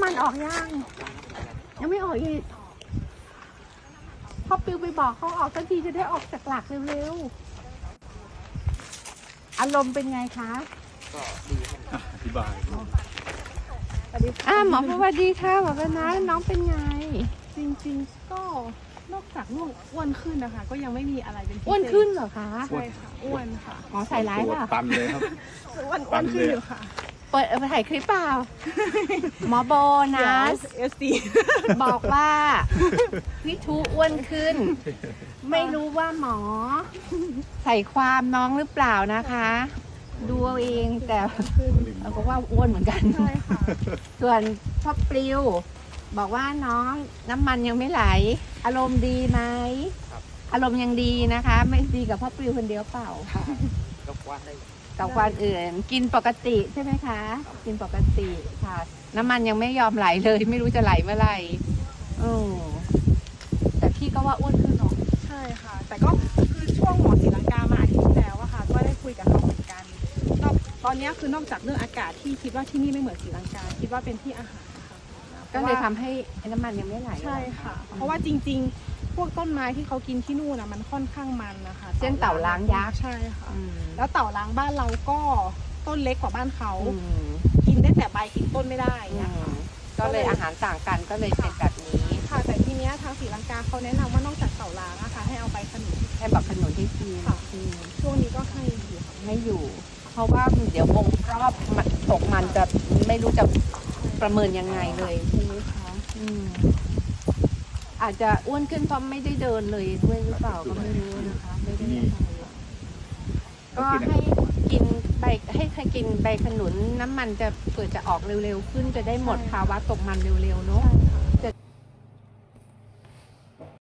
มันออกยังไม่ออกอีกพ่อปิวไปบอกเขาออกสักทีจะได้ออกจากหลักเร็วๆอารมณ์เป็นไงคะก็ดีครับอธิบายหมอสวัสดีค่ะหมอเป็นนะน้องเป็นไงจริงๆก็นอกจากลูกอ้วนขึ้นนะคะก็ยังไม่มีอะไรเป็นพิเศษอ้วนขึ้นเหรอคะใช่ค่ะอ้วนค่ะหมอใส่ร้ายป่ะตันเลยครับอ้วนขึ้นอยู่ค่ะเปิดถ่ายคลิปเปล่าหมอโบนัสบอกว่าพี่ทูอ้วนขึ้นไม่รู้ว่าหมอใส่ความน้องหรือเปล่านะคะดูเอาเองแต่เราก็ว่าอ้วนเหมือนกันใช่ค่ะส่วนพ่อปลิวบอกว่าน้องน้ำมันยังไม่ไหลอารมณ์ดีไหมอารมณ์ยังดีนะคะไม่ดีกับพ่อปลิวคนเดียวเปล่ากับวันได้กับวันอื่นกินปกติใช่ไหมคะกินปกติค่ะน้ำมันยังไม่ยอมไหลเลยไม่รู้จะไหลเมื่อไหร่แต่พี่ก็ว่าอ้วนขึ้นเนาะใช่ค่ะแต่ก็คือช่วงหมอศรีลังกามาอาทิตย์ที่แล้วอะค่ะก็ได้คุยกับเขาเหมือนกันตอนนี้คือนอกจากเรื่องอากาศที่คิดว่าที่นี่ไม่เหมือนศรีลังกาคิดว่าเป็นที่อาหารค่ะก็เลยทำให้น้ำมันยังไม่ไหลใช่ค่ะเพราะว่าจริงๆพวกต้นไม้ที่เขากินที่นู่นนะมันค่อนข้างมันนะคะเช่นเต่าล้างยักษ์ใช่ค่ะแล้วเต่าล้างบ้านเราก็ต้นเล็กกว่าบ้านเขากินได้แต่ใบกินต้นไม่ได้นะคะก็เลยอาหารต่างกันก็เลยเป็นแบบนี้ค่ะแต่ทีเนี้ยทางศรีลังกาเขาแนะนำว่านอกจากเต่าล้างนะคะให้เอาใบขนุนให้แบบขนุนที่กินช่วงนี้ก็ให้อยู่ไม่อยู่เพราะว่าเดี๋ยววงรอบตกมันจะไม่รู้จะประเมินยังไงเลยใช่ไหมคะอาจจะอ้วนขึ้นเพราะไม่ได้เดินเลยด้วยหรือเปล่าก็ไม่รู้นะคะไม่ได้ก็ให้กินกินใบขนุนน้ำมันจะเปิดจะออกเร็วๆขึ้นจะได้หมดภาวะตกมันเร็วๆเนาะ